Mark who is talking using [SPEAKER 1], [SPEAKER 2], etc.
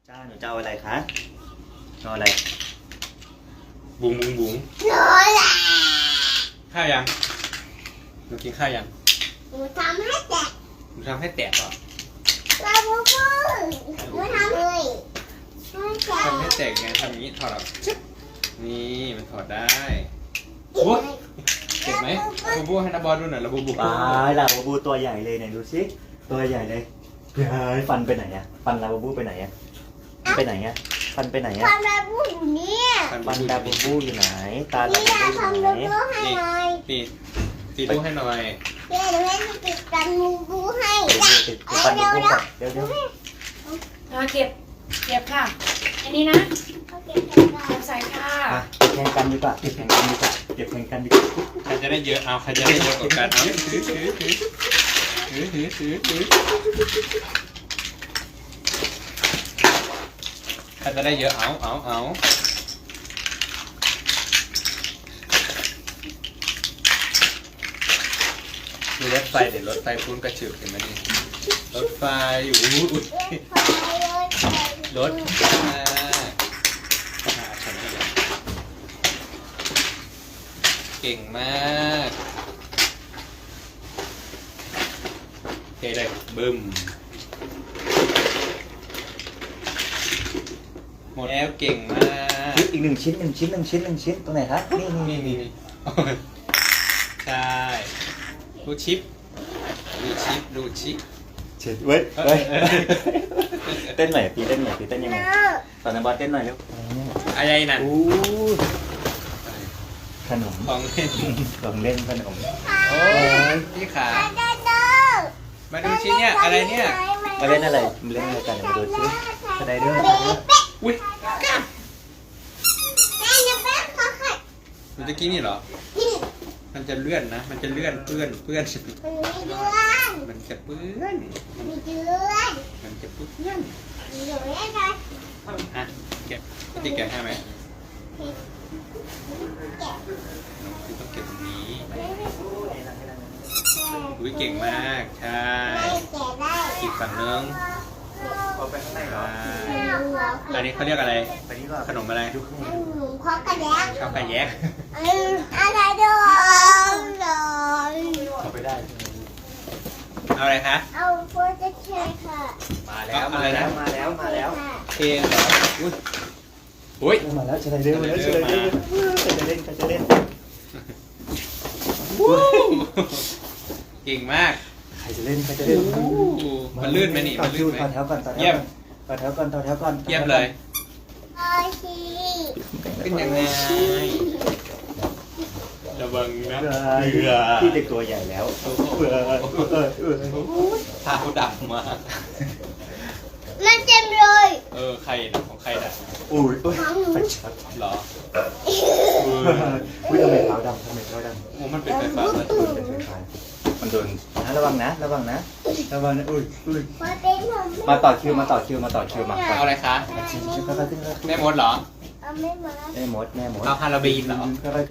[SPEAKER 1] จ้าหนูจะเอาอะไรคะเอาอะไร
[SPEAKER 2] บุ๋งบุ๋งบุ๋งข้าวยังหนูกินข้าวยัง
[SPEAKER 3] หนูทำให้แตก
[SPEAKER 2] หนูทำให้แตกเหรอ
[SPEAKER 3] ลาบูบูหนูทำเลยให้แตก
[SPEAKER 2] ทำให้แตกไงทำอย่างนี้ถอดออกชึบนี่มันถอดได้โอ้ยเจ็บไหมบูบูให้นาบอลดูหน่อยละบูบู
[SPEAKER 1] ปลายลาบูบูตัวใหญ่เลยไหนดูสิตัวใหญ่เลยเฮ้ยฟันไปไหนอะฟันลาบูบูไปไหนอะไปไหนอะฟันไปไหนอะ
[SPEAKER 3] ทำลาบูอยู่เนี่ย
[SPEAKER 1] ฟันลาบูบูอยู่ไหนตาลา
[SPEAKER 3] นี่
[SPEAKER 1] บู
[SPEAKER 3] ยา
[SPEAKER 1] บูอยู่
[SPEAKER 3] ทำ
[SPEAKER 1] ไหน
[SPEAKER 3] ลาบูให้หน่อย
[SPEAKER 2] นี่ตีลูกให้หน่อย
[SPEAKER 3] เดี๋ยวหนูให้ติดกันลาบูให้
[SPEAKER 1] ติดฟันลาบูก่อนเดี๋ยว
[SPEAKER 4] เก็บค่ะ อันนี้นะ
[SPEAKER 3] เขาเก็บกันก่อ
[SPEAKER 4] เก็
[SPEAKER 3] น
[SPEAKER 4] บใส่ค่ะ
[SPEAKER 1] แข่งกันดีกว่าเก็บแข่งกันดีกว่าเก็บแข่งกันดีกว่า
[SPEAKER 2] ใครจะได้เยอะเอาใครจะได้เยอะกว่ากันเอาถือใครจะได้เยอะเอาดูรถไฟเดี๋ยวรถไฟพุ่นกระฉึกเห็นไหมนี่รถไฟอยู่อุ๊ยรถเก่งมากเทเลยบึ้มหมดแล้วเก่งมาก
[SPEAKER 1] อีกหนึ่งชิ้นตรงไหนครับนี่
[SPEAKER 2] นี่ใช่รูดชิป
[SPEAKER 1] เช็ดเว้ยเต้นหน่อยพี่เต้นยังไงตอนนั้นบอสเต้นหน่อยเร็ว
[SPEAKER 2] อะไรนั่น
[SPEAKER 1] อู้ขนม
[SPEAKER 2] ของเล่น
[SPEAKER 1] ของเล่นขนม
[SPEAKER 2] โอ้ยพี่ขามาดูชิ้นเนี่ยอะไรเนี่ย
[SPEAKER 1] มาเล่นอะไรมาเล่นอะไรกันมาดูซิสไลเดอร์
[SPEAKER 2] อุ้ย
[SPEAKER 3] แม่จะแม่ขอไข่
[SPEAKER 2] มันจะกินนี่เหรอมันจะเลื่อนนะมันจะเลื่อนเปื้อน
[SPEAKER 3] มันมีเดือน
[SPEAKER 2] มันจะเปื้อน
[SPEAKER 3] มีเดือน
[SPEAKER 2] มันจะเปื้อน
[SPEAKER 3] มีเดือนอะไร
[SPEAKER 2] อ่ะแกะพี่แกะให้ไหม
[SPEAKER 3] แกะ
[SPEAKER 2] น้องพี่ต้องเก็บตรงนี้อุ้ยเก่งมากใช่
[SPEAKER 3] ไม่แกะได้
[SPEAKER 2] อีกฝั่งนึง
[SPEAKER 1] เอาไปข้างในเหรอ
[SPEAKER 2] ใช่อันนี้เขาเรียกอะไร
[SPEAKER 1] ไปนี่ก่อน
[SPEAKER 2] ขนมอะไร
[SPEAKER 1] ดูข้างใน
[SPEAKER 3] หนูขอกระแดง
[SPEAKER 2] ข้าวไก่แยก
[SPEAKER 3] อะไรด้วย
[SPEAKER 1] เอาไปได้
[SPEAKER 2] เอาอะไรคะ
[SPEAKER 3] เอาโปรเจกต์ค่ะ
[SPEAKER 1] มาแล้วมาแล้วมาแล้ว
[SPEAKER 2] เพลงเหรออุ้ย
[SPEAKER 1] มาแล้วสไลเดอร์มาแล้วสไลเดอร์จะเล่น
[SPEAKER 2] เก่งมาก
[SPEAKER 1] ใครจะเล่น
[SPEAKER 2] มันลื่นไหมนี่มันลื่นไหม
[SPEAKER 1] ต่อแถวก่อน
[SPEAKER 2] เยี่ยม
[SPEAKER 1] ต่อแถวก่อน
[SPEAKER 2] เยี่ยมเลย
[SPEAKER 3] โอเค
[SPEAKER 2] ขึ้นยังไงระวังนะ
[SPEAKER 1] พี่เด็กตัวใหญ่แล้ว
[SPEAKER 2] เท้าดำมาก
[SPEAKER 3] มันเต็มเลย
[SPEAKER 2] ใครนะของใครนะ
[SPEAKER 1] อุ้ยไฟช็อต
[SPEAKER 2] หรอ
[SPEAKER 1] อุ้ยทำไมเท้าดำ
[SPEAKER 2] โอ้มันเป็นไฟฟ้าเลย
[SPEAKER 1] มันโดนระวังนะอุ้ย
[SPEAKER 3] มาเป็นผม
[SPEAKER 1] มาต่อคิวมา
[SPEAKER 2] เอาอะไรคะแม่มดเหรอ
[SPEAKER 3] เอาไม่มา
[SPEAKER 1] แม่มด
[SPEAKER 2] เอาฮาราบีนเหรอ